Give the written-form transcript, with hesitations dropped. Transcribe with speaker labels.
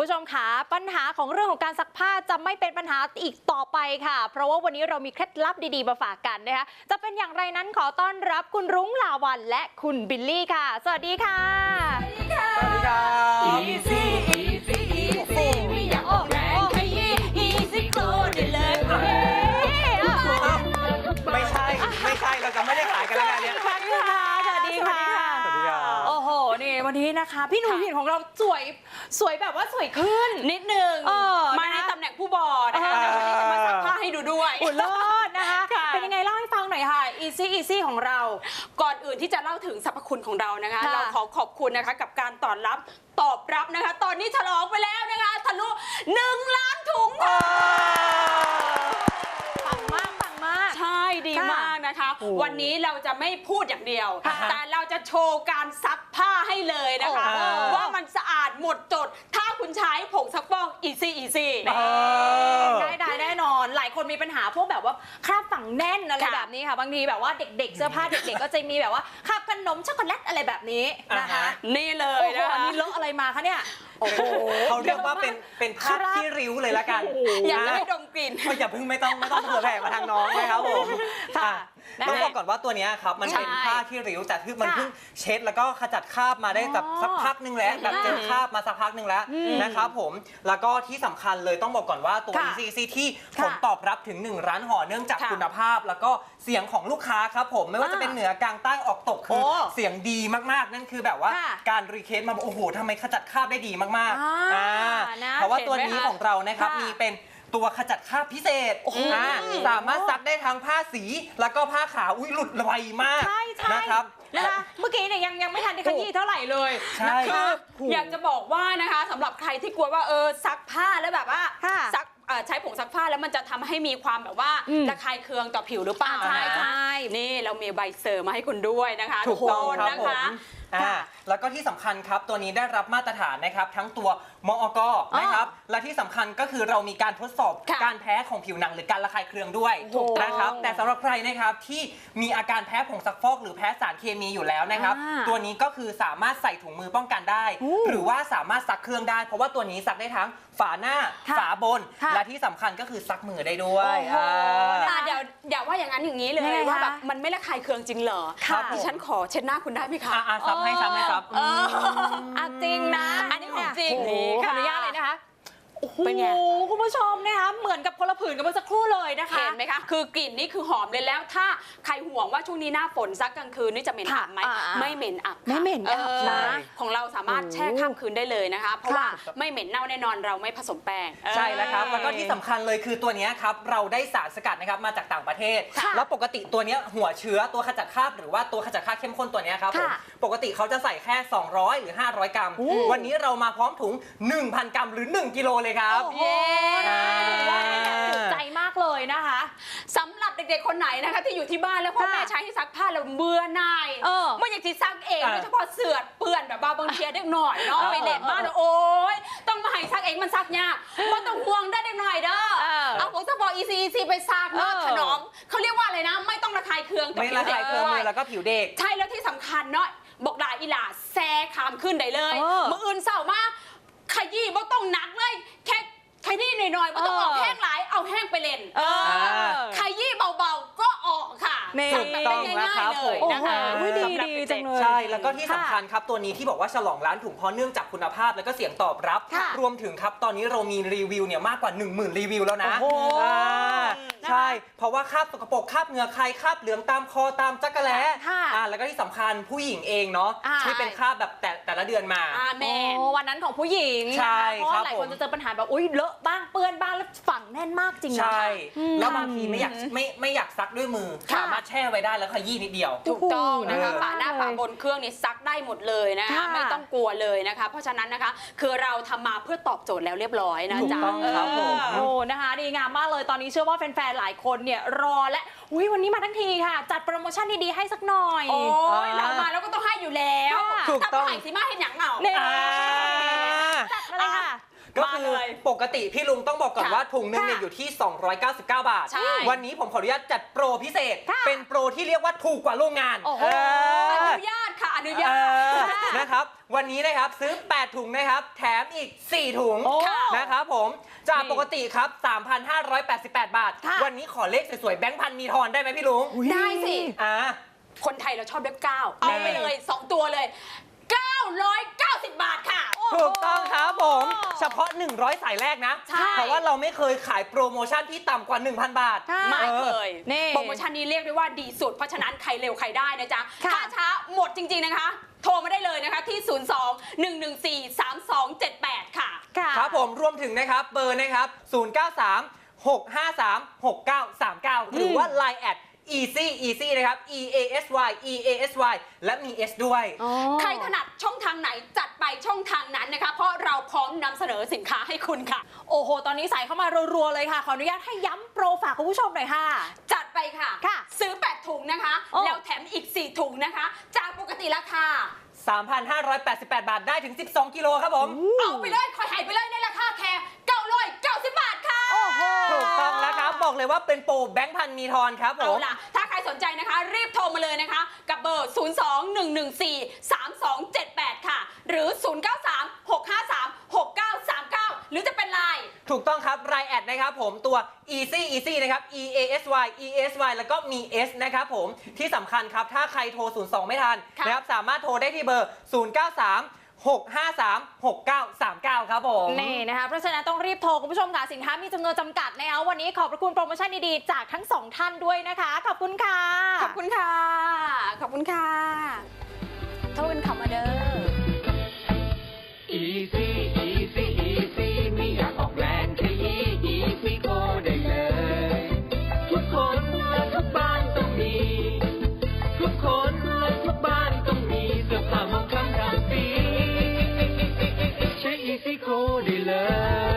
Speaker 1: ผู้ชมค่ะปัญหาของเรื่องของการซักผ้าจะไม่เป็นปัญหาอีกต่อไปค่ะเพราะว่าวันนี้เรามีเคล็ดลับดีๆมาฝากกันนะคะจะเป็นอย่างไรนั้นขอต้อนรับคุณรุ้งลาวัลย์และคุณบิลลี่ค่ะสวัสดีค่ะ
Speaker 2: สวัสดีค่ะสวัสดีค่ะ Easy Easy Easy ไม่อยากออกแรงขยี้ Easy Flow ได้เลย
Speaker 3: ไม่ใช่เราจะไม่ได้ขายกันแล้วเนี่ย
Speaker 1: สวัสดีค่ะสวัสดีค่ะโอ้โหนี่วันนี้นะคะพี่หนุ่มหินของเราสวยแบบว่าสวยขึ้น
Speaker 2: นิดนึงมาในตำแหน่งผู้บอนะคะวันนี้จะมาซักผ้าให้ดูด้วย
Speaker 1: อุ่นเลิศนะคะเป็นยังไงเล่าให้ฟังหน่อยค่ะ Easy Easy ของเรา
Speaker 2: ก่อนอื่นที่จะเล่าถึงสรรพคุณของเรานะคะเราขอบคุณนะคะกับการตอบรับนะคะตอนนี้ฉลองไปแล้วนะคะทะลุ1 ล้านถุง
Speaker 1: ปังมาก
Speaker 2: ใช่ดีมากนะคะวันนี้เราจะไม่พูดอย่างเดียวแต่เราจะโชว์การซักผ้าให้เลยนะคะว่ามันสะอาดหมดจดถ้าคุณใช้ผงซักฟอก Easy Easy
Speaker 1: ได้แน่นอนหลายคนมีปัญหาพวกแบบว่าคราบฝังแน่นอะไรแบบนี้ค่ะบางทีแบบว่าเด็กๆเสื้อผ้าเด็กๆก็จะมีแบบว่าคราบขนมช็อกโกแลตอะไรแบบนี้นะคะ
Speaker 2: นี่เลยนะคะ
Speaker 1: นี่เลอะอะไรมาคะเนี่ย
Speaker 3: โอ้โหเขาเรียกว่าเป็นผ้าที่ริ้วเลยละกัน
Speaker 2: อยากจะให้ดมกลิ่น
Speaker 3: อย่าเพิ่งไม่ต้องเผื่อแผ่มาทางน้องนะครับผมต้องบอกก่อนว่าตัวนี้ครับมันเป็นผ้าที่ริ้วแต่ที่มันเพิ่งเช็ดแล้วก็ขจัดคราบมาได้แบบสักพักนึงแล้วแบบเจอคราบมาสักพักนึงแล้วนะครับผมแล้วก็ที่สำคัญเลยต้องบอกก่อนว่าตัว Easy ที่ผลตอบรับถึง1 ล้านห่อเนื่องจากคุณภาพแล้วก็เสียงของลูกค้าครับผมไม่ว่าจะเป็นเหนือกลางใต้ออกตกคือเสียงดีมากๆนั่นคือแบบว่าการรีเควสมาโอ้โหทำไมขจัดคราบได้ดีมากๆเพราะว่าตัวนี้ของเรานะครับมีเป็นตัวขจัดคราบพิเศษสามารถซักได้ทั้งผ้าสีแล้วก็ผ้าขาวหลุดไวมากนะครับ
Speaker 1: เมื่อกี้เนี่ยยังไม่ทันได้ขยี้เท่าไหร่เลย
Speaker 2: นะคะอยากจะบอกว่านะคะสำหรับใครที่กลัวว่าซักผ้าแล้วแบบว่าซักใช้ผงซักผ้าแล้วมันจะทำให้มีความแบบว่าระคายเคืองต่อผิวหรือเปล่า
Speaker 1: ใช่
Speaker 2: นี่เรามีใบเซอร์มาให้คุณด้วยนะคะ
Speaker 3: ถูกต้องนะคะแล้วก็ที่สำคัญครับตัวนี้ได้รับมาตรฐานนะครับทั้งตัวมอก.นะครับและที่สำคัญก็คือเรามีการทดสอบการแพ้ของผิวหนังหรือการระคายเคืองด้วยนะครับแต่สำหรับใครนะครับที่มีอาการแพ้ผงซักฟอกหรือแพ้สารเคมีอยู่แล้วนะครับตัวนี้ก็คือสามารถใส่ถุงมือป้องกันได้หรือว่าสามารถซักเครื่องได้เพราะว่าตัวนี้ซักได้ทั้งฝาหน้าฝาบนและที่สำคัญก็คือซักมือได้ด้วย
Speaker 2: เดี๋ยวอย่าว่าอย่างนั้นอย่างนี้เลยว่าแบบมันไม่ระคายเคืองจริงเหรอดิฉันขอเช็ดหน้าคุณได้ไหมคะ
Speaker 3: ซับให้ครับ
Speaker 1: จริงนะ
Speaker 2: อันนี้ของจริง
Speaker 1: ขออนุญาตเลยนะคะเป็นไงคุณผู้ชมนะคะเหมือนกับคนละผืนกันเมื่อสักครู่เลยนะคะ
Speaker 2: เห็นไหมคะคือกลิ่นนี่คือหอมเลยแล้วถ้าใครห่วงว่าช่วงนี้หน้าฝนซักกลางคืนนี่จะเหม็นอับไหมไม่เหม็นอับ
Speaker 1: ไม่เหม็นอับนะ
Speaker 2: ของเราสามารถแช่ข้ามคืนได้เลยนะคะเพราะว่าไม่เหม็นเน่าแน่นอนเราไม่ผสมแป้ง
Speaker 3: ใช่แล้วครับแล้วก็ที่สำคัญเลยคือตัวนี้ครับเราได้สารสกัดนะครับมาจากต่างประเทศแล้วปกติตัวนี้หัวเชื้อตัวขจัดคราบหรือว่าตัวขจัดคราบเข้มข้นตัวนี้ครับผมปกติเขาจะใส่แค่200หรือ500 กรัมวันนี้เรามาพร้อมถุง 1,000 กรัมหรือ1 กิโลเลยครับ
Speaker 1: ถูกใจมากเลยนะคะ
Speaker 2: สำหรับเด็กๆคนไหนนะคะที่อยู่ที่บ้านแล้วพ่อแม่ใช้ให้ซักผ้าแล้วเบื่อหน่ายไม่อยากจะซักเองโดยเฉพาะเสื่อเปื้อนแบบบางทีเด็กหน่อยเนาะไปเล่นบ้านโอ๊ยต้องมาให้ซักเองมันซักยากไม่ต้องห่วงได้เด็กหน่อยเด้อเอาผงซักฟอก Easy ไปซักเนาะถนอมเขาเรียกว่าอะไรนะไม่ต้องระคายเคืองกับผิวเด็กด้วย
Speaker 3: แล้วก็ผิวเด็ก
Speaker 2: ใช่แล้วที่สำคัญเนาะบอกด่าอีหล่าแซ่ขามขึ้นได้เลยมืออื่นเศร้ามากขยี้ไม่ต้องหนักเลยแค่นี้หน่อยๆมันต้องออกแห้งหลายเอาแห้งไปเล่นขยี้เบาๆก็ออกค่ะ
Speaker 3: ถูกต้องนะครับผม
Speaker 1: นะคะดีจังเลย
Speaker 3: ใช่แล้วก็ที่สำคัญครับตัวนี้ที่บอกว่าฉลองล้านถุงเพราะเนื่องจากคุณภาพแล้วก็เสียงตอบรับรวมถึงครับตอนนี้เรามีรีวิวเนี่ยมากกว่า 10,000 รีวิวแล้วนะใช่เพราะว่าคราบสกปรกคราบเหงื่อใครคราบเหลืองตามคอตามจักระแล้แล้วก็ที่สำคัญผู้หญิงเองเนาะที่เป็นคราบแบบแต่ละเดือนมา
Speaker 1: วันนั้นของผู้หญิง
Speaker 3: ใช่
Speaker 1: เพราะหลายคนจะเจอปัญหาแบบอุ้ยเลอะบ้างเปื้อนบ้างแล้วฝังแน่นมากจริงนะ
Speaker 3: ใช่แล้วบางทีไม่อยากซักด้วยมือสามารถแช่ไว้ได้แล้วขยี้นิดเดียว
Speaker 2: ถูกต้องนะคะฝาหน้าฝาบนเครื่องนี่ซักได้หมดเลยนะคะไม่ต้องกลัวเลยนะคะเพราะฉะนั้นนะคะคือเราทำมาเพื่อตอบโจทย์แล้วเรียบร้อยนะจ๊ะ
Speaker 3: ครับผม
Speaker 1: นะคะดีงามมากเลยตอนนี้เชื่อว่าแฟนๆหลายคนเนี่ยรอและวันนี้มาทั้งทีค่ะจัดโปรโมชั่นดีๆให้สักหน่อย
Speaker 2: เรามาแล้วก็ต้องให้อยู่แล้วถ้าไม่ให้สิมาเห็นอย่างเหงา
Speaker 1: จัดเลยค่ะ
Speaker 3: ก็คือปกติพี่ลุงต้องบอกก่อนว่าถุงนึงเนี่ยอยู่ที่299 บาทวันนี้ผมขออนุญาตจัดโปรพิเศษเป็นโปรที่เรียกว่าถูกกว่าโรงงาน
Speaker 2: อนุญาตค่ะอนุญาต
Speaker 3: นะครับวันนี้นะครับซื้อ 8 ถุงนะครับแถมอีก 4 ถุง
Speaker 1: โอ้
Speaker 3: นะครับผมจากปกติครับ 3,588 บาท
Speaker 1: ค่ะ
Speaker 3: วันนี้ขอเลขสวยๆแบงค์พันมีทอนได้ไหมพี่ลุง
Speaker 2: ได้สิ
Speaker 3: อ่า
Speaker 2: คนไทยเราชอบเลข9เอาไปเลย 2 ตัวเลย 990 บาทค่ะ
Speaker 3: ถูกต้องครับผมเฉพาะ 100 สายแรกนะ
Speaker 2: ใช่
Speaker 3: เพราะว่าเราไม่เคยขายโปรโมชั่นที่ต่ำกว่า 1,000 บาท
Speaker 1: ค่ะ
Speaker 2: ไม่เคย
Speaker 1: นี่
Speaker 2: โปรโมชั่นนี้เรียกได้ว่าดีสุด เพราะฉะนั้นใครเร็วใครได้นะจ๊ะ
Speaker 1: ค่ะ
Speaker 2: ถ้าช้าหมดจริง ๆนะคะ โทรมาได้เลยนะคะที่ 02-114-3278 ค่ะ
Speaker 1: ค่ะ
Speaker 3: ครับผมรวมถึงนะครับเบอร์นะครับ 093-653-6939 หรือว่า Line แอด easy นะครับ EASY และมี S ด้วย
Speaker 1: อ๋อ
Speaker 2: ใครถนัดช่องทางไหนจัดไปช่องทางนั้นนะคะ เพราะเราพร้อมนำเสนอสินค้าให้คุณค่ะ
Speaker 1: โอ้โห ตอนนี้ใส่เข้ามารัวๆเลยค่ะ ขออนุญาตให้ย้ำโปรฝากคุณผู้ชมหน่อยค่ะ
Speaker 2: จัดไปค่ะ
Speaker 1: ค่ะ
Speaker 2: ซื้อ 8 ถุงนะคะ
Speaker 1: โอ้
Speaker 2: แล้วแถมอีก 4 ถุงนะคะ จากปกติราคา
Speaker 3: 3,588 บาทได้ถึง 12 กิโลครับผม
Speaker 2: เอาไปเลยคอยหายไปเลยในราคาแค่990 บาทค่ะ
Speaker 1: โอ้โห
Speaker 3: ถูกต้องแล้วครับ บอกเลยว่าเป็นโปรแบงค์พันมีทอนครับผ
Speaker 2: เอา
Speaker 3: ม
Speaker 2: ล่ะ ถ้าใครสนใจนะคะ รีบโทรมาเลยนะคะ กับเบอร์ 02-114-3278 ค่ะ หรือ 093-653-6939 หรือจะเป็นไลน์
Speaker 3: ถูกต้องครับรายแอดนะครับผมตัว easy นะครับ EASY แล้วก็มี S นะครับผมที่สำคัญครับ ถ้าใครโทร 02 ไม่ทัน
Speaker 2: ค่ะ
Speaker 3: นะครับสามารถโทรได้ที่เบอร์ 093-653-6939 ครับผม
Speaker 1: นี่นะคะเพราะฉะนั้นต้องรีบโทรคุณผู้ชมค่ะสินค้ามีจำนวนจำกัดนะคะวันนี้ขอบพระคุณโปรโมชั่นดีๆจากทั้งสองท่านด้วยนะคะ ขอบคุณค่ะ
Speaker 2: ขอบคุณค่ะ ขอบคุณค่ะโทรกันเข้ามาเด้อ
Speaker 4: Easy Easy ไม่อยากออกแรงขยี้ Easy Go ได้เลย ทุกคนและทุกบ้านต้องมี ทุกคนและทุกบ้านต้องมีเสื้อผ้ามองคล้ำดำปีใช้ Easy Go ได้เลย